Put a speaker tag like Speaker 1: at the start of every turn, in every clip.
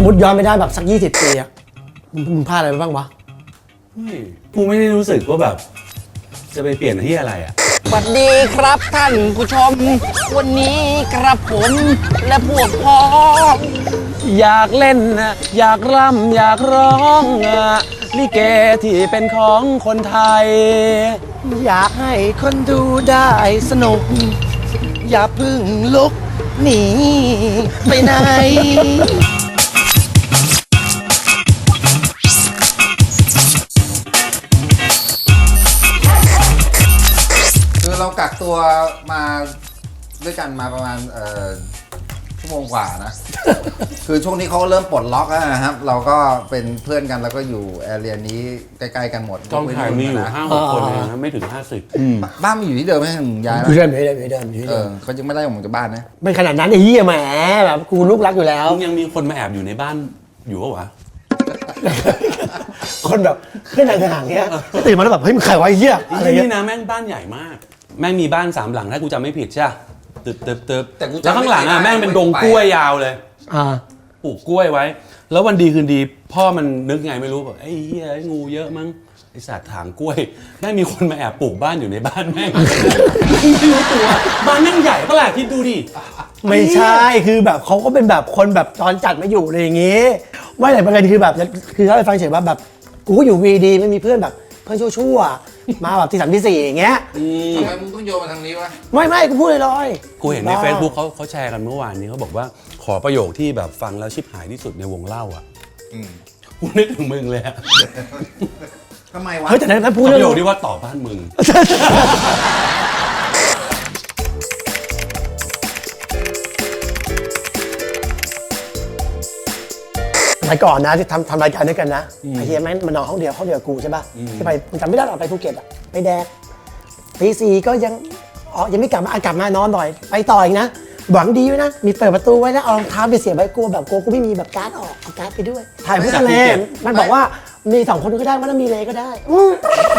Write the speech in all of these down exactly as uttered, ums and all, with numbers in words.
Speaker 1: มมติย้อนไม่ได้แบบสักยี่สิบปีอะมึงพลาดอะไรไปบ้างวะ
Speaker 2: กูไม่ได้รู้สึกว่าแบบจะไปเปลี่ยนที่อะไรอ่ะ
Speaker 3: สวัสดีครับท่านผู้ชมวันนี้กระผมและพวกพ้องอยากเล่นนะอยากร่ำอยากร้องลิเกที่เป็นของคนไทยอยากให้คนดูได้สนุกอย่าพึ่งลุกหนีไปไหน
Speaker 4: คือเรากักตัวมาด้วยกันมาประมาณเอ่อชั่วโมงกว่านะ คือช่วงนี้เขาเริ่มปลดล็อกแล้วนะครับ เราก็เป็นเพื่อนกันแล้วก็อยู่แอเรียนี้ใกล้ๆกันหมด
Speaker 2: กองถ่ายมีอยู่ห้าหกคนเองนะไม่ถึงห้าสิบ
Speaker 4: บ้านมันอยู่ที่เดิมไหมมึงย้าย
Speaker 1: อยู่เดิมอยู่เดิมอยู่เดิมอยู่
Speaker 4: เอ
Speaker 1: เดิ
Speaker 4: อ
Speaker 1: ม
Speaker 4: เขายังไม่ได้ออกจากบ้านนะ
Speaker 1: ไม่ขนาดนั้นไอ้เหี้ยแหมแบบกูลูกรักอยู่แล้ว
Speaker 2: มึงยังมีคนมาแอบอยู่ในบ้านอยู่ปะวะ
Speaker 1: คนแบบเพื่อนห่างๆเงี้ยตื่นมาแล้วแบบเฮ้ยมึงใครวะไอ้เหี้ยอะไร
Speaker 2: ที่
Speaker 1: เงี้
Speaker 2: นี่
Speaker 1: ย
Speaker 2: นะแม่งบ้านใหญ่มาก แม่งมีบ้านสามหลังถ้ากูจำไม่ผิดใช่ตึบตึบตึบ
Speaker 4: แต่กูจำ
Speaker 2: แล้วข้างหลังอ่ะ
Speaker 4: ไม่ได้
Speaker 2: แม่งเป็นดงกล้วยยาวเลย
Speaker 1: อ่า
Speaker 2: ปลูกกล้วยไว้ แล้ววันดีคืนดีพ่อมันนึกไงไม่รู้แบบไอ้เหี้ยไอ้งูเยอะมั้งไอ้สัตว์ถางกล้วยแม่งมีคนมาแอบปลูกบ้านอยู่ในบ้านแม่งไม่รู้ตัวบ้านแม่งใหญ่ปะล่ะคิดดูดิ
Speaker 1: ไม่ใช่คือแบบเขาก็เป็นแบบคนแบบตอนจัดมาอยู่อะไรอย่างงี้ไม่แต่ประเด็นคือแบบคือเขาไปฟังเฉยว่าแบบกูก็อยู่วีดีไม่มีเพื่อนแบบเพื่อนชั่วๆมาแบบที่สามที่สี่อย่างเงี้ย
Speaker 4: ทำไมมึงต้องโยนมาทางนี้วะ
Speaker 1: ไม่ไม่กูพูดลอยๆ
Speaker 2: กูเห็นใน Facebook เขาเขาแชร์กันเมื่อวานนี้เขาบอกว่าขอประโยคที่แบบฟังแล้วชิบหายที่สุดในวงเล่าอ่ะ
Speaker 4: อืม
Speaker 2: กูนึกถึงมึงเลยอะ
Speaker 4: ทำไมวะ
Speaker 1: เฮ้ยแต่นั้นพูด
Speaker 2: ป
Speaker 1: เรื่อ
Speaker 2: ระโยค
Speaker 1: ง
Speaker 2: ที่ว่าต่อบ้านมึง
Speaker 1: สมัยก่อนนะที่ทำทำรายการด้วยกันนะไอ้เฮียแม่งมานอนห้องเดียวห้องเดียวกับกูใช่ป่ะที่ไปมึงจำไม่ได้หรอกไปภูเก็ตอะไปแดกตีสี่ก็ยังอ๋อยังไม่กลับมาอ่ะกลับมานอนหน่อยไปต่ออีกนะหวังดีไว้นะมีเปิดประตูไว้นะเอารองเท้าไปเสียบไว้กลัวแบบกลัวกูไม่มีแบบการ์ดออกเอาการ์ดไปด้วยถ่ายเพื่อทะเลมันบอกว่ามีสองคนก็ได้ไม่ต้องมีเลยก็ได้อืม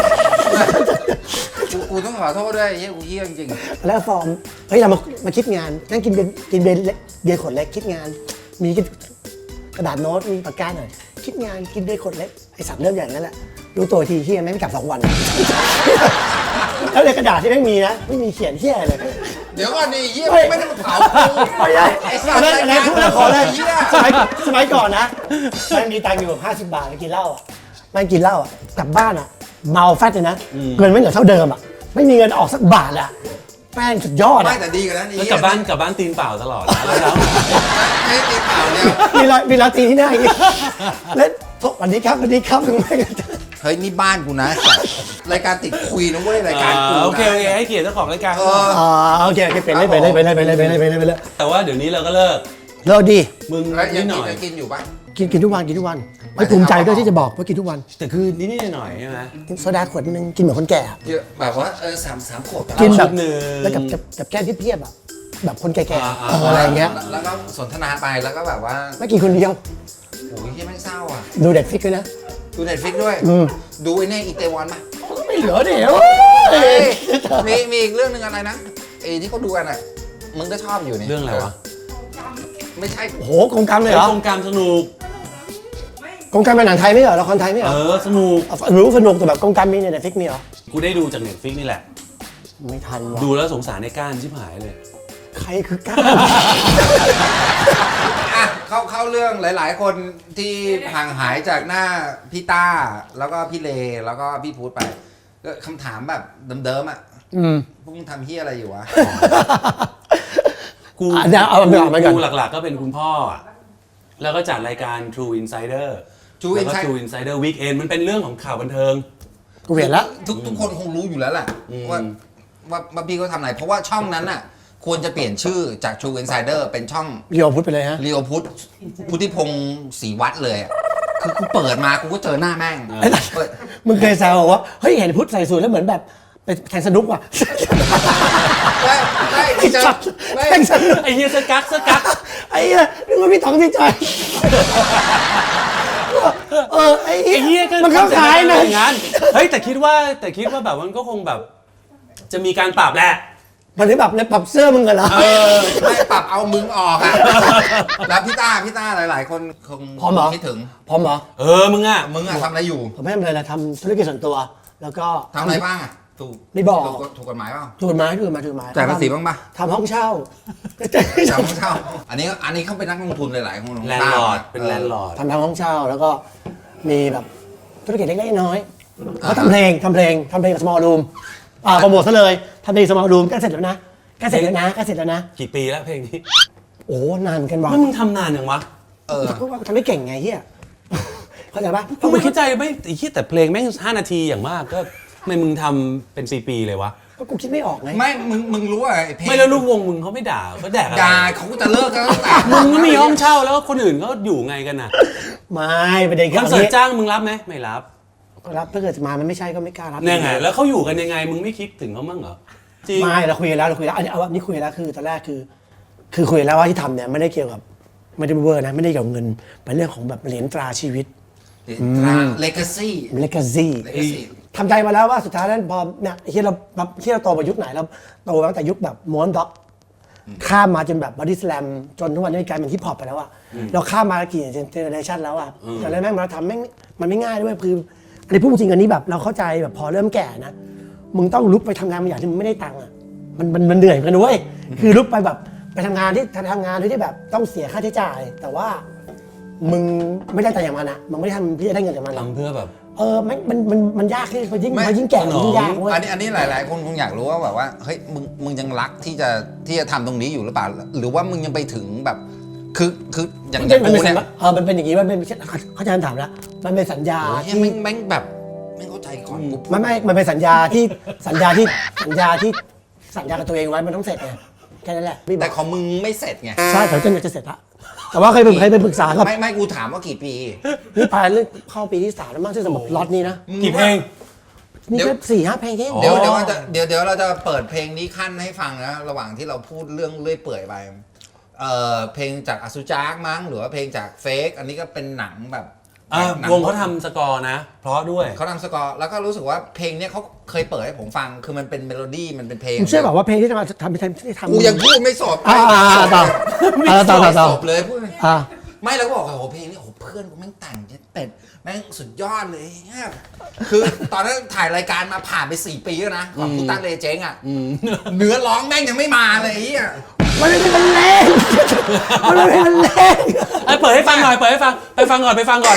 Speaker 4: กูกูต้องขอโทษด้วยไอ้เหี้ยกูเหี้ยจริง
Speaker 1: แล้วฟอร์มเฮ้ยเรามามาคิดงานนั่งกินเบียร์กินเบียร์เล็กเบียร์ขวดเล็กคิดงาน มีกระดาษโน้ตมีปากกาหน่อยคิดงานกินเบียร์ขวดเล็กไอสัตว์เริ่มอย่างนั้นแหละรู้ตัวทีที่ไม่กลับสองวัน แล้วในกระดาษที่ไม่มีนะไม่มีเขียนเที่ยอะไรเลย
Speaker 4: ๆเดี๋ยวก่อนดิไอ้เหี้ย
Speaker 1: เฮ้ย
Speaker 4: ไม่ได้มาเผากู
Speaker 1: ไม่ได้
Speaker 4: ไอ้สั
Speaker 1: อั
Speaker 4: ต
Speaker 1: น
Speaker 4: ว์
Speaker 1: นั้นอันนั้นพูดแล้วขอเลย
Speaker 4: เหี้ย
Speaker 1: สมัยสมัยก่อนนะมันมีตังค์อยู่แบบห้าสิบบาทไปกินเหล้าอ่ะมันกินเหล้าอ่ะกลับบ้านอ่ะเมาแฟตเลยนะเงินไม่เหลือเท่าเดิมอ่ะไม่มีเงินออกสักบาทอ่ะแม่งสุดยอด
Speaker 4: ไม่
Speaker 1: อ่ะ
Speaker 4: แต่ดีกว่านั้นไอ้
Speaker 2: แล้ว
Speaker 4: เหี้ย
Speaker 2: กลับบ้านกลับบ้านตีนเปล่าตลอดนะแล้ว
Speaker 4: ไม่ตีเปล่าเนี่ย
Speaker 1: มีรอยมีรอยตีที่หน้าอย่างเงี้ยแล้วสวัสดีครับสวัสดีครับถึงไม่กัน
Speaker 4: เฮ้ยนี่บ้านกูนะรายการติดคุยนะเว้ยรายการกูนะ
Speaker 2: โอเคโอเคให้เกียรติเจ้าของรายการ
Speaker 4: เออ
Speaker 1: อ๋อโอเคโอเคเป็นเลยไปเลยไปเลยไปเลยไปเลยไปเลยไปเลย
Speaker 2: แต่ว่าเดี๋ยวนี้เราก็เลิก
Speaker 1: เลิกดี
Speaker 2: มึง
Speaker 4: แล้วยั
Speaker 2: นิ
Speaker 4: ง
Speaker 2: ดห
Speaker 4: กิ
Speaker 2: น่
Speaker 4: น
Speaker 2: อย
Speaker 4: ยังกินอยู่ปะ
Speaker 1: กินกินทุกวันกินทุกวันไม่ภูมิใจด้วยที่จะบอกว่ากินทุกวัน
Speaker 2: แต่คือนิดนิดหน่อยๆใช่ไหม
Speaker 1: กินโซดาขวดนึงกินเหมือนคนแก่อะ
Speaker 4: เยอะแบบว่าเออสามสามขวบ
Speaker 1: กินแบบ
Speaker 2: ชุดหนึ่ง
Speaker 1: แล้วกับกับกับแก้มเพียบๆอ่ะแบบคนแก่
Speaker 2: อ่า
Speaker 1: ๆ
Speaker 2: อ่า
Speaker 1: เอออะไรอย่างเงี้ย
Speaker 4: แล้วก็สนทนาไปแล้วก็แบบว่า
Speaker 1: ไม่กินคนเดียว
Speaker 4: โอ้ยที่แม่งเศร้าอ่ะ
Speaker 1: ดูเด็กฟิกด้วยนะ
Speaker 4: ดูเน็ตฟิกด้วย
Speaker 1: อืม
Speaker 4: ดูไอ้เนี่ยอีเตวอนปะ
Speaker 1: ไม่เหลือเดี๋ยว
Speaker 4: เฮ้ยมีมีอีกเรื่องหนึ่งอะไรนะไอ้ที่เขาดูกันอ่ะมึงก็ชอบอยู่นี่
Speaker 2: เรื่องอะไรวะ
Speaker 4: ไม่ใช่
Speaker 1: โอ้โหกงกรรมเลยเหรอ
Speaker 2: โครงการสนุก
Speaker 1: กงกรรมเป็นหนังไทยไม่เหรอละครไทยไม่เหร
Speaker 2: เอ
Speaker 1: อ
Speaker 2: อสนุก
Speaker 1: รู้สนุกแต่แบบกงกรรมมีในเด็กฟิกมีเหรอ
Speaker 2: กูได้ดูจากเน็ตฟิกนี่แหละ
Speaker 1: ไม่ทันว่ะ
Speaker 2: ดูแล้วสงสารในก้านชิบหายเลย
Speaker 1: ใครคือก้า
Speaker 4: อ่ะเข้าเข้าเรื่องหลาย ๆ คนที่ห่างหายจากหน้าพี่ต้าแล้วก็พี่เลแล้วก็พี่พูดไปก็คำถามแบบเดิมๆอ่ะ
Speaker 1: อืม
Speaker 4: พวกมึงทำเฮียอะไรอยู่วะ
Speaker 2: กู
Speaker 1: อ่ะเดี๋ยวเอาเอาเอาไปก่อน
Speaker 2: กูหลักๆก็เป็นคุณพ่ออะแล้วก็จัดรายการ True Insider
Speaker 4: True
Speaker 2: แล้วก็
Speaker 4: Insider
Speaker 2: True Insider Weekend มันเป็นเรื่องของข่าวบันเทิง
Speaker 1: กูเห็นแล้ว
Speaker 4: ทุกทุกคนคงรู้อยู่แล้วแหละ
Speaker 2: อืม
Speaker 4: ว่าว่าว่าพี่เขาทำอะไร เพราะว่าช่องนั้นน่ะควรจะเปลี่ยนชื่อจาก True Insider เป็นช่อง
Speaker 1: เรียวพุทธไปเลยฮะ
Speaker 4: เรียวพุทธพุทธิพงศ์ศรีวัดเลยอะคือกูเปิดมากูก็เจอหน้าแม่งเปิด
Speaker 1: มึงเคยแซวบอกว่าเฮ้ยเห็นพุทธใส่สูทแล้วเหมือนแบบไปแทงสนุกว่ะ
Speaker 4: ไม่ไม่
Speaker 1: ไอ้
Speaker 4: เจอ
Speaker 1: สัตว์
Speaker 4: ไม่
Speaker 1: แทงสนุก
Speaker 2: ไอ้เฮียสกักสกัก
Speaker 1: ไอ้เหี้ยนึกว่าพี่ต๋องพี่จอยเออไอ้
Speaker 2: ไอ้เฮียก็
Speaker 1: มันเข้าขายนะ
Speaker 2: อย่างนั้นเฮ้ยแต่คิดว่าแต่คิดว่าแบบมันก็คงแบบ จะมีการปรับแหละ
Speaker 1: มันถึงแบบเนี่ยปรับเสื้อมึงกันเหรอ
Speaker 4: เออไม่ปรับเอามึงออกอ่ะ แล้วพี่ต้าพี่ต้าหลาย ๆ คนคง
Speaker 1: พร้อมเหรอ
Speaker 4: คิดถึง
Speaker 1: พร้อมเหรอ
Speaker 2: เออมึงอ่ะ
Speaker 4: มึงอะทำอะไรอยู่
Speaker 1: ผมไม่ทำอะไรเลยทำธุรกิจส่วนตัว แล้วก็
Speaker 4: ทำอะไรบ้างอะถูก
Speaker 1: ไม่บอก
Speaker 4: ถูถูกกฎหมายเปล่า
Speaker 1: ถูกกฎหมายถูกกฎหมายถูกกฎหมาย
Speaker 4: จ่ายภาษีบ้างปะ
Speaker 1: ทำห้องเช่า
Speaker 4: จำไม่เช่าอันนี้อันนี้เขาเป็นนักลงทุนหลาย ๆ คน
Speaker 2: แลนด์ลอร์ดเป็นแลนด์ลอร์ด
Speaker 1: ทำทำห้องเช่าแล้วก็มีแบบธุรกิจเล็กๆน้อยๆเขาทำเพลงทำเพลงทำเพลงกับ small room อ่าโปรโมทซะเลยทำเพลง small room ใกล้เสร็จแล้วนะใกล้เสร็จแล้วนะใกล้เสร็จแล้วนะ
Speaker 2: กี่ปีแล้วเพลงนี้
Speaker 1: โอ้นานกันว่ะ
Speaker 2: แล้วมึงทำนานยังวะ
Speaker 4: เออ
Speaker 1: ก็ว่าทำไม่เก่งไงเฮียเข้าใจปะ
Speaker 2: กูไม่เข้าใจไม่ไอ้ที่แต่เพลงแม่งห้านาทีอย่างมากก็ทำไมมึงทำเป็นปีๆเลยวะ
Speaker 1: ก็กูคิดไม่ออกไง
Speaker 4: ไม่มึงมึงรู้อะไอ้เพลง
Speaker 2: ไม่แล้วลูกวงมึงเขาไม่ด่าเขาแดกอะไร
Speaker 4: ด่าเขาก็จะเลิกกันตั้งแต่
Speaker 2: มึงก็มีห้องเช่าแล้วคนอื่นเขาอยู่ไงกันน่ะ
Speaker 1: ไม่ประเด็น
Speaker 2: ค
Speaker 1: คือ
Speaker 2: อน
Speaker 1: อัน
Speaker 2: เสิร์ต
Speaker 1: นี้
Speaker 2: จ้างมึงรับไหมไม่รับ
Speaker 1: ก็รับถ้าเกิดมามันไม่ใช่ก็ไม่กล้ารับ
Speaker 2: เนี่ยไงแล้วเขาอยู่กันยังไงมึงไม่คิดถึงเขาบ้างเหรอจริง
Speaker 1: ไม่เราคุยกันแล้วเราคุยแล้วอันนี้เอาอันนี้คุยแล้วคือตอนแรกคือ คือคุยแล้วว่าที่ทำเนี่ยไม่ได้เกี่ยวกับไม่ได้เวอร์นะไม่ได้เกี่ยวกับเงินเป็นเรื่องของแบบเหรียญตราชีวิต
Speaker 4: เลกาซี่
Speaker 1: เลกาซี่
Speaker 4: Legacy
Speaker 1: ทำใจมาแล้วว่าสุดท้ายแล้วพอเนี่ยที่เราแบบที่เราโตมายุคไหนเราโตมาตั้งแต่ยุคแบบม้วนด็อกข้ามมาจนแบบบอดี้สแลมจนทุกวันนี้กลายเป็นฮิปฮอปไปแล้วอะเราข้ามมากี่เจเนอเรชันแล้วอะแต่แล้วแม่งมาทำแม่งมันไม่ง่ายด้วยคืออันนี้พูดจริงอันนี้แบบเราเข้าใจแบบพอเริ่มแก่นะมึงต้องลุกไปทำงานบางอย่างที่มึงไม่ได้ตังค์อะมันมันมันเหนื่อยกันด้วยคือลุกไปแบบไปทำงานที่ทำงานที่แบบต้องเสียค่าใช้จ่าย แต่ว่ามึงไม่ได้แต่อย่างมันอะมึงไม่ได้ทำเพื่อได้เงินจากมันอะ
Speaker 2: ทำเพื่อแบบ
Speaker 1: เออมันมันมันมันยากขึ้นพอยิ่ง
Speaker 4: ไม่
Speaker 1: พอยิ่งแก่มันยิ่งยากเว้ย
Speaker 4: อันนี้อันนี้หลาย ๆ คนคงอยากรู้ว่าแบบว่าเฮ้ยมึงมึงยังรักที่จะที่จะทำตรงนี้อยู่หรือเปล่าหรือว่ามึงยังไปถึงแบบ คือคืออย่าง
Speaker 1: มัน
Speaker 4: อ
Speaker 1: เป็
Speaker 4: ย่าน ง
Speaker 1: มัน
Speaker 4: กู
Speaker 1: เป็นสัญ
Speaker 4: เนี่ย
Speaker 1: เออมันเป็นอย่างนี้มันเป็นเขาใจะถามแล้วมันเป็นสัญญา
Speaker 4: โอ้ย
Speaker 1: ที่
Speaker 4: แม่งแม่งแบบแม่งเข้าใจก่อนกูพูด
Speaker 1: มันไม่มันเป็นสัญญาที่สัญญาที่สัญญาที่สัญญากับตัวเองไว้มันต้องเสร็จไงแค่นั้นแหละพี่บ
Speaker 4: แต่
Speaker 1: อก
Speaker 4: ของมึงไม่เสร็จไง
Speaker 1: ใช่แต่จนจะเสร็จละแต่ว่าเคยไปเคยไปปรึกษากับ
Speaker 4: ไม่ไม่กูถามว่ากี่ปี
Speaker 1: นี่ปลายเรื่องเข้าปีที่สามแล้วมั้งที่สำหรับล็อตนี้นะ
Speaker 2: กี่เพลง
Speaker 1: นี่ก็สี่ห้าเพลงเอง
Speaker 4: เดี๋ยวเดี๋ยวว่าจะเดี๋ยวเดี๋ยวเราจะเปิดเพลงนี้ขั้นให้ฟังนะระหว่างที่เราพูดเรื่องเลื่อยเปื่อยไปเอ่อเพลงจากอสุจากมั้งหรือว่าเพลงจากเฟกอันนี้ก็เป็นหนังแบบ
Speaker 2: อ่ะ
Speaker 4: หนั
Speaker 2: วงเขาทำสกอร์นะ เพราะด้วย
Speaker 4: เขาทำสกอร์แล้วก็รู้สึกว่าเพลงเนี้ยเขาเคยเปิดให้ผมฟังคือมันเป็นเมโลดี้มันเป็นเพลง
Speaker 1: ผมเชื่อแบบว่าเพลงที่จะมาทำที่ทำที่ทำ
Speaker 4: กูยังพูดไม่สด
Speaker 1: อ่าอ่าอ่าต่ออ่าต่อต่อต่อ
Speaker 4: จบเลยพูด
Speaker 1: อ่า
Speaker 4: ไม่แล้วก็บอกว่าโอ้โหเพลงนี้โอ้โหเพื่อนกูแม่งแต่งเป็ดแม่งสุดยอดเลยเนี่ยคือตอนนั้นถ่ายรายการมาผ่านไปสี่ปีแล้วนะของกูตั้งเลเจงอ่ะเนื้อร้องแม่งยังไม่มาเลยไอ้เหี้ย
Speaker 1: มันไม่เป็นมันแรงมันไม่เป็นมันแรง
Speaker 2: ไอ้เปิดให้ฟังหน่อยเปิดให้ฟังไปฟังก่อนไปฟังก่อน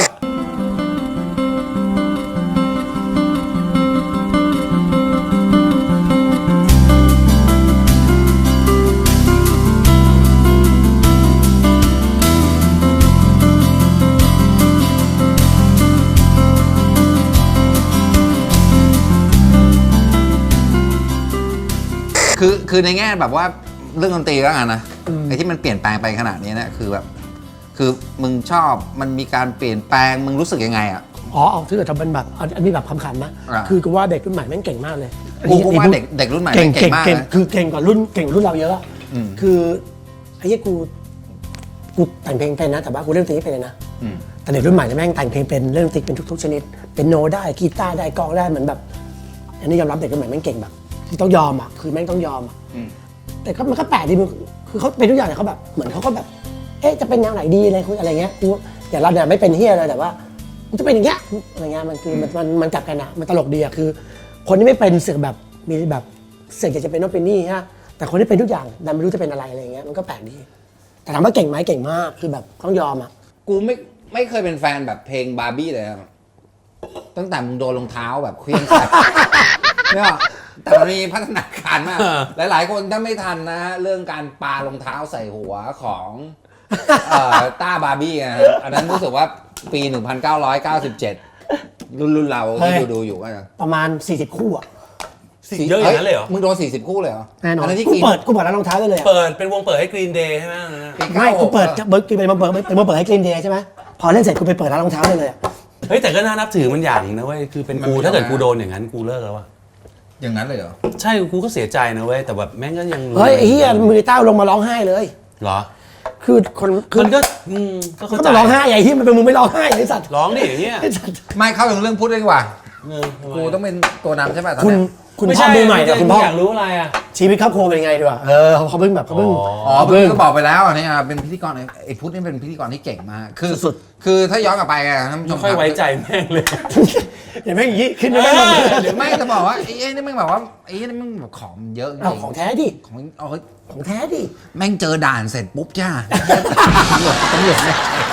Speaker 4: คือคือในแง่แบบว่าเรื่องดนตรีแล้วกันนะไอ้ที่มันเปลี่ยนแปลงไปขนาดนี้เนี่ยคือแบบคือมึงชอบมันมีการเปลี่ยนแปลงมึงรู้สึกยังไงอ่ะ
Speaker 1: อ๋อเอาถ้าเกิดทำเป็นแบบอันอันนี้แบบคำขันนะ
Speaker 4: อ่า
Speaker 1: คือกูว่าเด็กรุ่นใหม่แม่งเก่งมากเลย
Speaker 4: กูกูว่าเด็กเด็กรุ่นใหม่
Speaker 1: เก่ง
Speaker 4: เก่
Speaker 1: เก่
Speaker 4: ง
Speaker 1: ง
Speaker 4: มาก
Speaker 1: เก่ง
Speaker 4: นะ
Speaker 1: คือเก่งกว่ารุ่นเก่งกว่ารุ่นเราเยอะอะ
Speaker 4: อืม
Speaker 1: คือไอ้เหี้ยกูกูแต่งเพลงเป็นนะแต่ว่ากูเล่นดนตรีไม่เป็นเลยนะ
Speaker 4: อืม
Speaker 1: แต่เด็กรุ่นใหม่เนี่ยแม่งแต่งเพลงเป็นเล่นดนตรีเป็นทุกๆชนิดเป็นโนได้กีตาร์ได้กลองได้เหมือนแบบอันนี้ยอมรับเด็กรุ่นใหม่แม่งเก่งแบบที่ต้องยอมอ่ะคือแม่งต้องยอมอะ
Speaker 4: อืม
Speaker 1: แต่ก็มันก็แปลกดีมึงคือเขาเป็นทุกอย่างเนี่ยเขาแบบเหมือนเขาก็แบบ เอ๊ะจะเป็นแนวไหนดีอะไรคุยอะไรเงี้ยกูอย่างเราเนี่ยไม่เป็นเฮียเลยแต่ว่ามันจะเป็นอย่างเงี้ยอะไรเงี้ยมันคือมันมันมันกลับกันอะมันตลกดีอะคือ คนที่ไม่เป็นเสือกแบบมีแบบเสือกอยากจะเป็นโน่นเป็นนี่ฮะแต่คนที่เป็นทุกอย่างดันไม่รู้จะเป็นอะไรอะไรเงี้ยมันก็แปลกดีแต่ถามว่าเก่งไหมเก่งมากคือแบบต้องยอมอะ
Speaker 4: กูไม่ไม่เคยเป็นแฟนแบบเพลงบาร์บี้เลยอะตั้งแต่มึงโดนรองเท้าแบบเคลื่อนใส่ เนี่ยแต่มันมีพัฒนาการมาก หลาย ๆ คนถ้าไม่ทันนะฮะเรื่องการปารองเท้าใส่หัวของเอ่อต้าบาร์บี้นะฮะอันนั้นรู้สึกว่าปี หนึ่งพันเก้าร้อยเก้าสิบเจ็ด รุ่นรุ่นเราที่ดูดูอยู่ก็จะ
Speaker 1: ประมาณสี่สิบคู่อะ
Speaker 2: เยอะอย่างนั้นเลยเหรอ
Speaker 4: มึงโดนสี่สิบคู่เลยเหรอ
Speaker 1: แน่นอน
Speaker 4: อัที่
Speaker 1: กู
Speaker 4: กิน
Speaker 1: เปิดกูเปิดร้านรองเท้าได้เลยอะ
Speaker 2: เปิดเป็นวงเปิดให้กรีนเดย์ใช่ไหมอันนั้นนะ
Speaker 4: ปี
Speaker 1: ไม่
Speaker 4: เาห
Speaker 1: กูเปิด
Speaker 4: อะ
Speaker 1: เบิร์กเป็นมาเปิดเป็นมาเปิดให้กรีนเดย์ใช่ไหมพอเล่นเสร็จกูไปเปิดร้านรองเท้าได้เลยอะ
Speaker 2: เฮ้ยแต่ก็น่านับถือมันอย่างนะเว้ยคือเป็นกูถ้าเกิดกูโดนอย่างนั้นกูเลิกแล้วอะ
Speaker 4: อย่างนั้นเลยเหรอ
Speaker 2: ใช่กูก็เสียใจนะเว้ยแต่แบบแม่งก็ยัง
Speaker 1: เฮ้ยไอ้เหี้ยมือเต้าลงมาร้องไห้เลย
Speaker 2: เหรอ
Speaker 1: คือคนคือ
Speaker 2: มันก็อืมก็เข้า
Speaker 1: ก็
Speaker 2: ใจ
Speaker 1: ต้องร้องไห้ไอ้ที่มันเป็นมึงไม่ร้องไห้ไอ้สัตว์
Speaker 2: ร้องดิเฮีย
Speaker 1: ไอ้สัตว์
Speaker 4: ไม่เข้าถึงเรื่องพูดเลยดีกว่า
Speaker 2: เออทำไม
Speaker 4: กูต้องเป็นตัวนำใช่ป่ะตอน
Speaker 1: คุณ
Speaker 4: เนี้ย
Speaker 1: คุณ
Speaker 2: ไม่
Speaker 1: พ่อ
Speaker 2: ใช่
Speaker 1: มือใหม่เนี่ยคุณพ่อ
Speaker 2: อยากรู้อะไรอ่ะ
Speaker 1: ชีวิตครอบครัวเป็นยังไงดีกว่าเออเขาเพิ่งแบบเขาเพิ่ง
Speaker 4: อ๋อ
Speaker 1: เขา
Speaker 4: เพิ่
Speaker 1: เพิ่
Speaker 4: ง
Speaker 1: ง
Speaker 4: ก็บอกไปแล้วเนี่ยเป็นพิธีกรไอ้พุทธนี่เป็นพิธีกรที่เก่งมากคือ
Speaker 1: สุด
Speaker 4: คือถ้าย้อนกลับไปอะท่านผู้ช
Speaker 2: ไม่
Speaker 4: ม
Speaker 2: ค่อยไว้ใจแม่งเลย
Speaker 1: เห็นไหมอย่างนี้ขึ้นไม่ได้หรอก
Speaker 4: หรือไม่จะบอกว่าไอ้ไอ้นี่มึงแบบว่าไอ้นี่มึงแบบของเยอะจริง
Speaker 1: เอาของแท้ดิ
Speaker 4: ของเอาเฮ้ย
Speaker 1: ของแท้ดิ
Speaker 4: แม่งเจอด่านเสร็จปุ๊บจ้าตำรวจตำรวจ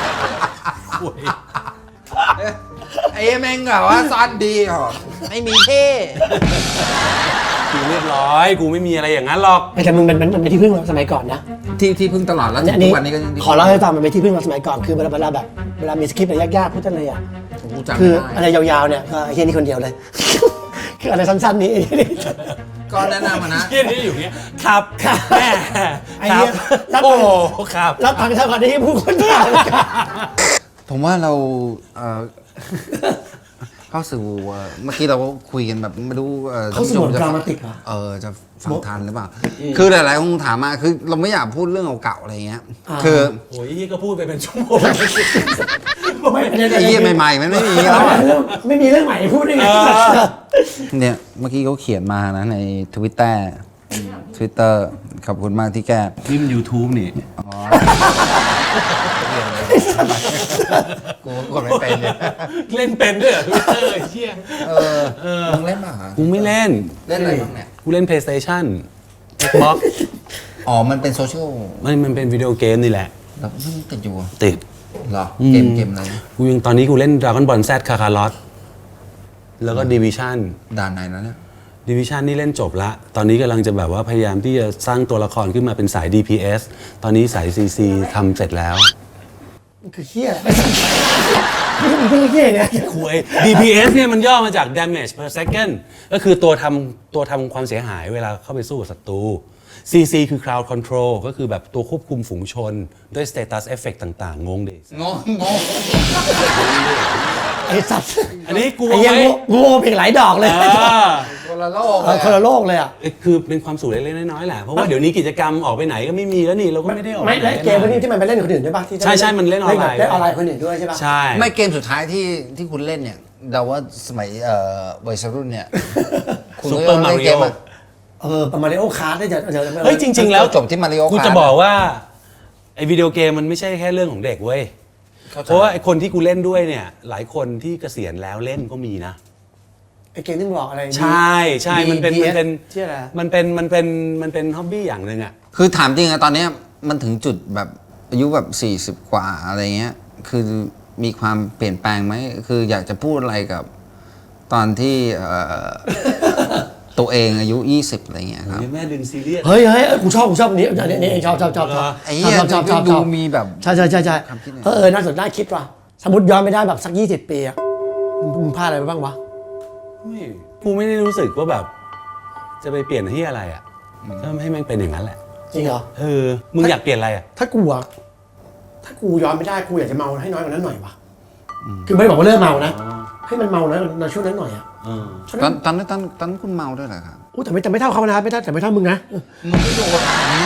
Speaker 4: ไอ้แม่งแบบว่าซ่อนดีหรอไม่มีเท่
Speaker 2: กูเรียบร้อย กูไม่มีอะไรอย่างนั้นหรอก
Speaker 1: ไม่แต่มึงมันมันมันเป็นที่พึ่งเราสมัยก่อนนะ
Speaker 4: ที่ที่พึ่งตลอดแล้ว
Speaker 1: อัน
Speaker 4: ทุ
Speaker 1: นี้
Speaker 4: กวันนี้ก็ยัง
Speaker 1: ขอเล่าให้ฟังมันเป็นที่พึ่งเราสมัยก่อนคือเวลาเวลาแบบเวลามีสคริปต์อะไรยากๆพูดกันเลยอ่ะ
Speaker 4: กูจำ
Speaker 1: คือ
Speaker 4: ไม่
Speaker 1: อะ
Speaker 4: ได้
Speaker 1: ไรยาวๆเนี่ยก็ไอ้เฮียนี่คนเดียวเลย คืออะไรสั้นๆนี้
Speaker 4: ก็แนะนำมานะ
Speaker 2: เฮียนี่อยู่เงี้ยครับแม่
Speaker 1: ไอ้
Speaker 2: ครั
Speaker 1: เหี้
Speaker 2: บ
Speaker 1: ยแล้ว
Speaker 2: โอ้โหครับ
Speaker 1: แล้วทางเท่ากันที่ผู้คนถาม
Speaker 4: ผมว่าเราเอ่อ เข้าสู่เอ่อเมื่อกี้เราก็คุยกันแบบไม่รู้อ่อ
Speaker 1: เขาสมมติ
Speaker 4: จะ
Speaker 1: ดรามาติกเหรอ
Speaker 4: เออจะฟังทันหรือเปล่า คือหลายๆคนถามมาคือเราไม่อยากพูดเรื่องเก่าๆอะไรเงี้ย
Speaker 1: อ่า
Speaker 4: คือ
Speaker 2: โอ้ยเฮียก็พูดไปเป็นชั่วโมง
Speaker 1: ไม่
Speaker 4: ไอ้เยี่ยใหม่ๆมันไม่มีแล้วอะ
Speaker 1: ไม่มีเรื่องใหม่ให้พูดได้ไง
Speaker 4: เนี่ยเมื่อกี้เขาเขียนมานะใน Twitter Twitter ขอบคุณมากที่แก้
Speaker 2: นี่มัน YouTube นี่
Speaker 4: กูกดไม่เป็นเนี่ย
Speaker 2: เล่นเป็นด้วยเหรอ Twitter ไอ้เฮีย
Speaker 4: เออมึงเล่นป่ะฮะ
Speaker 2: กูไม่เล่น
Speaker 4: เล่นอะไรบ้างเนี่ย
Speaker 2: กูเล่น PlayStation Xbox
Speaker 4: อ๋อมันเป็นโซเชียล
Speaker 2: มันมันเป็นวิดีโอเกมนี่แหละ
Speaker 4: แล้วมึงติดอยู่อะ
Speaker 2: ติด
Speaker 4: เหรอเกมเกมอะไรนะ
Speaker 2: กูยังตอนนี้กูเล่น Dragon Ball Z Kakarot แล้วก็ Division
Speaker 4: ด่านไหนนะเนี่ย
Speaker 2: Division นี่เล่นจบละ ตอนนี้กำลังจะแบบว่าพยายามที่จะสร้างตัวละครขึ้นมาเป็นสาย ดี พี เอส ตอนนี้สาย ซี ซี ทำเสร็จแล้ว
Speaker 1: คือเฮียไม่ใช่เฮียเนี่ย
Speaker 2: คุย ดี พี เอส เนี่ยมันย่อมาจาก damage per second ก็คือตัวทำตัวทำความเสียหายเวลาเข้าไปสู้กับศัตรู ซี ซี คือ crowd control ก็คือแบบตัวควบคุมฝูงชน ด้วย status effect ต่างๆ งงดิ
Speaker 4: งงงง
Speaker 1: ไอ้สัตว์
Speaker 2: อันนี้กู
Speaker 1: ไอ้
Speaker 2: เอา
Speaker 1: เฮีย
Speaker 2: ไว้
Speaker 1: งูงูอีกหลายดอกเลย
Speaker 2: อ่า
Speaker 4: คนละโลก
Speaker 1: เออคนละโลกเลยอ่ะ
Speaker 2: คือเป็นความสุขเล็กๆน้อยๆแหละ เพราะว่าเดี๋ยวนี้กิจกรรมออกไปไหนก็ไม่มีแล้วนี่ เราก็ไม่ได้ออก
Speaker 1: ไม่
Speaker 2: ปไหน
Speaker 1: และเกมพวกนี้ที่มันไปเล่นกับคนอื่นด้วยป่ะที่
Speaker 2: ใช่ใช่มันเล่นออนไลน์
Speaker 1: เล่นออนไลน์คนอื่นด้วยใช่ป่ะ
Speaker 2: ใช่
Speaker 4: ไม่เกมสุดท้ายที่ที่คุณเล่นเนี่ยเราว่าสมัยเอ่อวัยรุ่นเนี่ยคุณ
Speaker 2: ซู
Speaker 4: ก็
Speaker 2: เปอร์มา
Speaker 4: เล่น
Speaker 2: ริ
Speaker 4: เก
Speaker 2: โอ
Speaker 4: มอะ
Speaker 1: เออประมาณในโอคาร์ดได้จะจะ
Speaker 2: เฮ้ยจริง ๆ แล้ว
Speaker 4: จบที่มาริโอ
Speaker 2: กูจะบอกว่าไอ้วิดีโอเกมมันไม่ใช่แค่เรื่องของเด็กเว้ย เพราะว่าไอ้คนที่กูเล่นด้วยเนี่ย หลายคนที่เกษียณแล้วเล่นก็มีนะ
Speaker 1: ไอเกมที่มึงบอกอะไร
Speaker 2: ใช่ใช่มันเป็น
Speaker 1: ดี
Speaker 2: มันเป็น
Speaker 1: ชื่ออะไร
Speaker 2: มันเป็นมันเป็นมันเป็นฮ็อบบี้อย่างหนึ่งอ่ะ
Speaker 4: คือถามจริงอะตอนเนี้ยมันถึงจุดแบบอายุแบบสี่สิบกว่าอะไรเงี้ยคือมีความเปลี่ยนแปลงไหมคืออยากจะพูดอะไรกับตอนที่เอ่อ ตัวเองอายุยี่สิบอะไรเงี้ยครับ
Speaker 2: แม่ดึงซีเรียส
Speaker 1: เฮ้ยเฮ้ยกูชอบกูชอบอันนี้อันนี้อันนี้ชอบชอบชอบชอบ
Speaker 4: ไอ้เหี้ย
Speaker 1: ชอบชอบชอบช
Speaker 4: ดู
Speaker 1: อบ
Speaker 4: มีแบบ
Speaker 1: ใช่ใช่ใช่ใช่
Speaker 4: ความคิดเนี่ย
Speaker 1: เออเออน่าสนน่าคิดว่ะสมมติย้อนไม่ได้แบบสักยี่สิบปีอะมึงพลาดอะไรไปบ้างวะ
Speaker 2: ไม่กูไม่ได้รู้สึกว่าแบบ จะไปเปลี่ยนที่อะไรอ่ะก็ให้แม่งเป็นอย่างนั้นแหละ
Speaker 1: จริงเหรอ
Speaker 2: เออมึงอยากเปลี่ยนอะไรอ่ะ
Speaker 1: ถ้ากูอะถ้ากูย้อนไม่ได้กูอยากจะเมาให้น้อยกว่านั้นหน่อยวะคือไม่ได้บอกว่าเลิกเมานะให้มันเมานะในช่วงนั้นหน่อยอะ
Speaker 2: เออ
Speaker 1: ช่วง
Speaker 4: ตอ
Speaker 1: นั้น น
Speaker 4: ตอนนั้นตอนตอนนั้นคุณเมาด้วยเหรอครับ
Speaker 1: อู้แต่ไม่แต่ไม่เท่าเขานะไม่เท่าแต่ไม่เท่ามึงนะ
Speaker 4: มึงไม่โดนนี้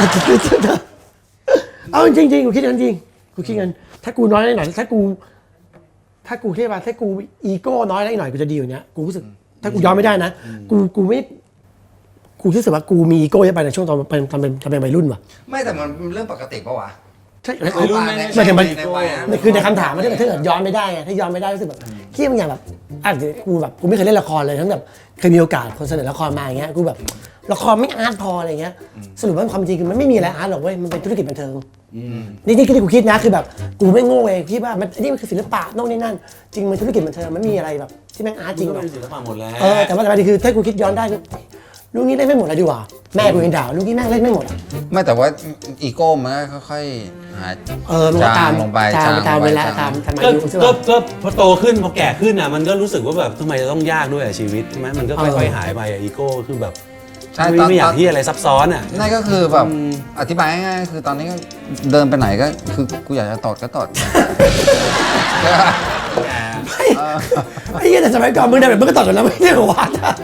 Speaker 1: เอาจริงจริงๆกูคิดอย่างนั้นจริงกูคิดงั้นถ้ากูน้อยหน่อยถ้ากู ถ้ากูเทียบว่าถ้ากูอีโก้น้อยได้หน่อยกูจะดีอยู่เนี้ยกูรู้สึก ถ้ากูยอมไม่ได้นะกูกูไม่กูรู้สึกว่ากูมีอีโก้เยอะไปในช่วงตอนเป็นตอนเป็นตอนเป็นวัยรุ่นว่ะ
Speaker 4: ไม่แต่มันเป็นเรื่องปกติปะวะ
Speaker 1: ใช่
Speaker 2: วัยรุ่นไม่
Speaker 1: ไม่ถึงมัน
Speaker 4: ในวัยนั้น
Speaker 1: มันคือในคำถามมันถ้าเกิดถ้าเกิดย้อนไม่ได้ไงถ้าย้อนไม่ได้รู้สึกแบบที่บางอย่างแบบอาจจะกูแบบกูไม่เคยเล่นละครเลยทั้งแบบเคยมีโอกาสคนเสนอละครมาอย่างเงี้ยกูแบบละครไม่อาร์ตพออะไรเงี้ยสรุปว่าความจริงคือมันไม่มีอะไรอาร์ตหรอกเว้ยมันเป็นธุรกิจบันเทิงนี่นี่คือที่กูคิดนะคือแบบกูไม่โง่เองคิดว่ามันนี่มันคือศิลปะโน่นนี่นั่นจริงมันธุรกิจบันเทิงมันไม่มีอะไรแบบที่แม่งอาร์ตจริงหรอก
Speaker 2: เป็นศิลปะหมดแล้ว
Speaker 1: เออแต่ว่าแต่ประเด็นคือถ้ากูคิดย้อนได้คือลูกนี้เล่นไม่หมดเลยดีกว่าแม่กูยังด่าลูกนี้แม่งเล่นไม่หมดอะ
Speaker 4: ไม่แต่ว่าอีโก้มันก็ค่อยๆหาย
Speaker 1: เออมันก็ตาม
Speaker 4: จางลงไป
Speaker 1: ตาม
Speaker 4: จาง
Speaker 1: ตาม
Speaker 4: ลงไป
Speaker 1: เวลา
Speaker 4: จาง
Speaker 1: ตามตามอา
Speaker 2: ก็
Speaker 1: ยุใช่
Speaker 2: ก็
Speaker 1: ป่ะ
Speaker 2: ก็พอโตขึ้นพอแก่ขึ้นอ่ะมันก็รู้สึกว่าแบบทำไมจะต้องยากด้วยอะชีวิตใช่ไหมมันก็ค่อยๆหายไปอะอีโก้คือแบบ
Speaker 4: ใช่
Speaker 2: ไม่
Speaker 4: ตอน
Speaker 2: ไม่อยา
Speaker 4: ต
Speaker 2: ก
Speaker 4: อน
Speaker 2: ที่อะไรซับซ้อนอ่ะ
Speaker 4: นั่นก็คือแบบอธิบายง่ายๆคือตอนนี้ก็เดินไปไหนก็คือกูอยากจะตอดก็ตอด
Speaker 1: ไอ้เหี้ยแต่สมัยก่อนมึงได้แบบมึงก็ต่อกันแล้วไม่ได้หรอวะ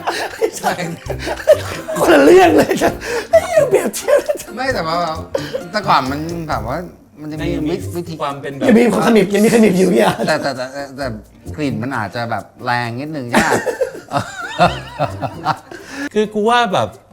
Speaker 1: คนละเรื่องเลยจ้ะไอ้เหี้ยเปรียบเทียบ
Speaker 4: ไม่แต่ว่าแต่ก่อนมันแบบว่ามันจะมี
Speaker 2: ยังมี
Speaker 4: วิธี
Speaker 2: ความเป็นแบบ
Speaker 1: ยังมีขมิบยังมีขมิบอยู่เนี่ย
Speaker 4: แต่แต่แต่แต่แต่กลิ่นมันอาจจะแบบแรงนิดนึงยาก
Speaker 2: คือกูว่าแบบ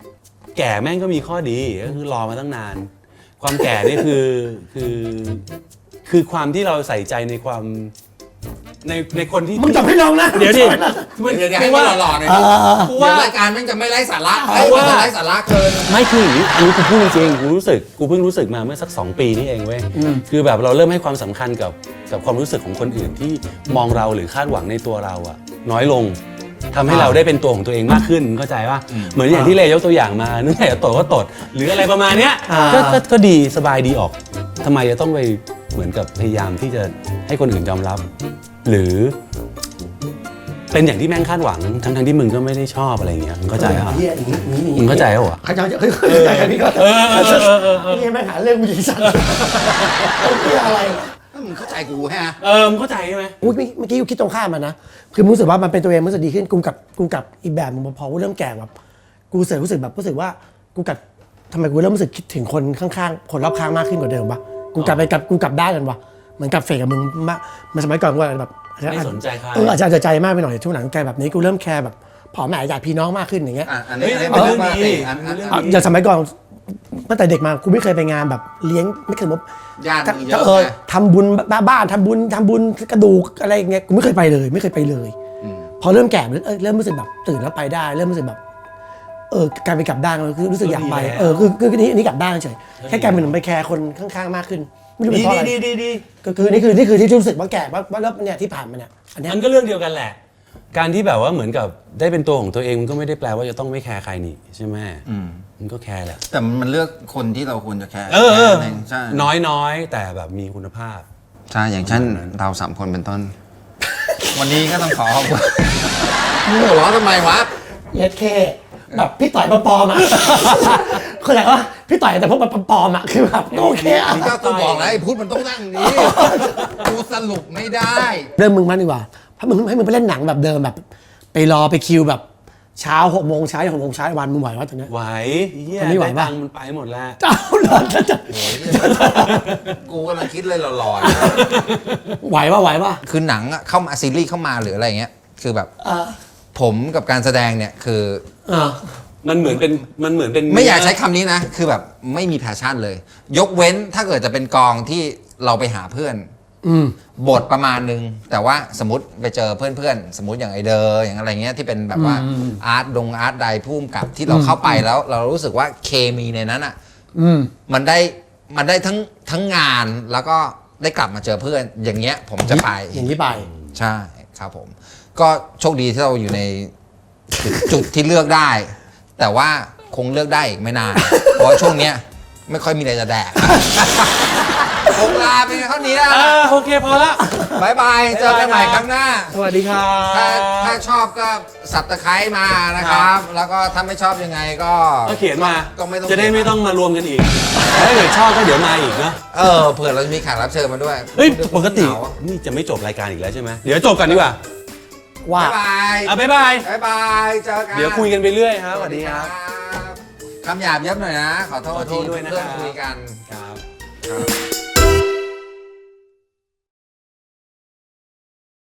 Speaker 2: แก่แม่งก็มีข้อดีก็คือรอมาตั้งนาน ความแก่นี่คือคือคือความที่เราใส่ใจในความในในคนที่
Speaker 1: มึงจับให้น้องนะ
Speaker 2: เดี๋ยวดิ
Speaker 4: เดี๋ยวเดี๋ยวให้มันหล่อๆหน่อย
Speaker 1: เอ
Speaker 4: ดิ
Speaker 1: อ
Speaker 2: กู
Speaker 4: เดี๋ย
Speaker 2: ว่า
Speaker 4: วรายการแม่งจะไม่ไร้สาระ
Speaker 2: เพ
Speaker 4: เอ้ย
Speaker 2: ราะว่า
Speaker 4: มันจะไร้สาระเกิน
Speaker 2: ไม่คืออย่างนี้อันนี้กูพูดจริงๆกูรู้สึกกูเพิ่งรู้สึกมาเมื่อสักสองปีนี่เองเว้ยคือแบบเราเริ่มให้ความสำคัญกับกับความรู้สึกของคนอื่นที่มองเราหรือคาดหวังในตัวเราอะน้อยลงทำให้เราได้เป็นตัวของตัวเองมากขึ้นเข้าใจป่ะเหมือนอย่างที่เลยกตัวอย่างมานึกไงจะตดก็ตดหรืออะไรประมาณเนี้ย
Speaker 1: อ่า
Speaker 2: ก็ก็ก็ดีสบายดีออกทำไมจะต้องไปเหมือนกับพยายามที่จะให้คนอื่นยอมรับ หรือ เป็นอย่างที่แม่งคาดหวังทั้งทั้งที่มึงก็ไม่ได้ชอบอะไรอย่างเงี้ยมึงเข้าใจป่ะ
Speaker 1: เฮียอย่างนี้อย่างนี้
Speaker 2: มึงเข้าใจป่ะวะ
Speaker 1: เข้าใจเข้าใจกันพี่ก็
Speaker 2: เออเออเออเออเออ
Speaker 1: นี่แม่งหาเรื่องกูยิงสัตว์เฮียอะไรวะ
Speaker 4: มึงเข้าใจกูฮะ
Speaker 2: เออมึงเข้าใจใช่ไหม
Speaker 1: อุ๊ยเมื่อกี้กูคิดตรงข้ามมันนะคือรู้สึกว่ามันเป็นตัวเองรู้สึกดีขึ้นกูกับกูกับอีกแบบมึงพอกูเริ่มแก่แบบกูรู้สึกรู้สึกแบบรู้สึกว่ากูกับทำไมกูเริ่มรู้สึกคิดถึงคนข้างๆคนรอบข้างมากขึ้นกว่าเดิมปะกูกลับไปกับกูกลับได้านกันวะเหมือนกับเฟกกับมึงมากมันสมัยก่อนกูแบบ
Speaker 2: ไม่สนใจใคร
Speaker 1: เอออาจจะอาจจะใจมากไปหน่อยช่วงหลังแกแบบนี้กูเริ่มแคร์แบบผอแม่อยากพี่น้องมากขึ้นอย่างเงี้ย
Speaker 4: อ่ะอันนี้
Speaker 2: เฮ้ย
Speaker 4: อันนี้เป็น
Speaker 2: เออ
Speaker 4: เรื่องปกติ
Speaker 2: ดี
Speaker 4: อันอัน
Speaker 2: เรื่อง
Speaker 1: อ่ะอย่างสมัยก่อนตั้งแต่เด็กมากูไม่เคยไปงานแบบเลี้ยงไม่เคยมบ
Speaker 4: ญาติมึงเย
Speaker 1: ถ้า
Speaker 4: อะ
Speaker 1: เออ
Speaker 4: ไง
Speaker 1: ทำบุญบ้านทำบุญทำบุญกระดูกอะไรอย่างเงี้ยกูไม่เคยไปเลยไม่เคยไปเลย พอเริ่มแก่เออเริ่มรู้สึกแบบตื่นแล้วไปได้ เริ่มรู้สึกแบบ เออกลายเป็นกลับด้านคือรู้สึกอยากไปเออคือคือนี่นี่กลับด้านเฉยแค่กลายเป็นไปแคร์คนข้างๆมากขึ้นไม่รู้เป็น
Speaker 2: ดี
Speaker 1: เพราะอะไร
Speaker 2: ดีดีดี
Speaker 1: ก็คือนี่คือนี่คือที่รู้สึกว่าแก่ว่าว่าแล้วเนี่ยที่ผ่านมาเนี่ยอันเนี้ย
Speaker 2: มันก็เรื่องเดียวกันแหละ การที่แบบว่าเหมือนกับได้เป็นตัวของตัวเองมันก็ไม่ได้แปลว่าจะต้องไม่แคร์ใครนี่ใช่ไหมมันก็แคร์แหละ
Speaker 4: แต่มันเลือกคนที่เราควรจะแคร์
Speaker 2: เออเออ
Speaker 4: แค่นั้นงใช่
Speaker 2: น้อยน้อยแต่แบบมีคุณภาพ
Speaker 4: ใช่อย่างเช่นเราสามคนเป็นต้น วันนี้ก็ต้องขอขอบคุณมึงหัวเราะทำไมวะ
Speaker 1: เอสเคแบบพี่ต่อยปลอมๆอ่ะ คืออะไรวะพี่ต่อยแต่พวกมันปลอมๆอ่ะคือแบบโอเคอ่ะ
Speaker 4: นี่ก็กูบอกแล้วไอ้พุทธมันต้องนั่งอย่างนี้ กูสรุปไม่ได้
Speaker 1: เริ่มมึงมันดีกว่าถ้ามึงให้มึงไปเล่นหนังแบบเดิมแบบ ไปรอไปคิวแบบเช้าหกโมงเช้าหกโมงเช้าวันมึงไหววะตอนเนี้ย
Speaker 2: ไหวเฮีย
Speaker 1: มันไม่ไหว
Speaker 2: ด้
Speaker 1: ปะ
Speaker 2: ตังค์มันไปหมดแล้ว
Speaker 1: เจ้าหลอนจะ
Speaker 4: กูกำลังคิดเลยหลอน
Speaker 1: ไหวปะไหวปะ
Speaker 4: ๆคือหนังอะเข้ามาซีรีส์เข้ามาหรืออะไรเงี้ย คือแบบ
Speaker 1: อ่า
Speaker 4: ผมกับการแสดงเนี่ยคือ
Speaker 1: อ่า
Speaker 2: มันเหมือนเป็นมันเหมือนเป็น
Speaker 4: ไม่อยากใช้คำนี้นะ คือแบบไม่มีแพชชั่นเลย ยกเว้นถ้าเกิดจะเป็นกองที่เราไปหาเพื่อน
Speaker 1: อืม
Speaker 4: บทประมาณนึง แต่ว่าสมมติไปเจอเพื่อนๆ สมมติอย่างไอเดอร์อย่างอะไรเงี้ยที่เป็นแบบว่าอาร์ตดงอาร์ตใดพุ่มกับที่เราเข้าไปแล้ว เรารู้สึกว่าเคมีในนั้นอ่ะ
Speaker 1: อืม
Speaker 4: มันได้มันได้ทั้งทั้งงานแล้วก็ได้กลับมาเจอเพื่อนอย่างเงี้ยผมจะไป
Speaker 1: อย่างนี้ไป
Speaker 4: ใช่ครับผม ก็โชคดีที่เราอยู่ในจุดจุดที่เลือกได้ แต่ว่าคงเลือกได้อีกไม่นาน เพราะว่าช่วงเนี้ยไม่ค่อยมีอะไรจะแดก คงลาไปเท่านี้แล้ว
Speaker 2: อ่าโอเคพอละ
Speaker 4: บายบาย เจอกันใหม่ครั้งหน้า
Speaker 2: สวัสดีครับ
Speaker 4: ถ้าถ้าชอบก็สับตะไคร้มานะครับ แล้วก็ถ้าไม่ชอบยังไงก็
Speaker 2: ก็เขียนมา
Speaker 4: ก็ไม่ต้อง
Speaker 2: จะได้ไม่ต้องมารวมกันอีกถ้าเกิดชอบก็เดี๋ยวมาอีกเนอะ
Speaker 4: เออเผื่อเราจะมีแขกรับเชิญมาด้วย
Speaker 2: เฮ้ยปกติ
Speaker 4: เหงา
Speaker 2: นี่จะไม่จบรายการอีกแล้วใช่ไหมเดี๋ยวจบกันดีกว่า
Speaker 1: ว่า
Speaker 4: บายบาย
Speaker 2: อ่ะบ๊ายบาย
Speaker 4: บายบายเจอกัน
Speaker 2: เดี๋ยวคุยกันไปเรื่อยครับสวัสดีครับ
Speaker 4: คำหยาบเย็บหน่อยนะ ขอโทษ
Speaker 2: ขอโทษด้วยนะครับ
Speaker 4: เพื่อนคุยกัน
Speaker 2: ครับ
Speaker 4: ครับ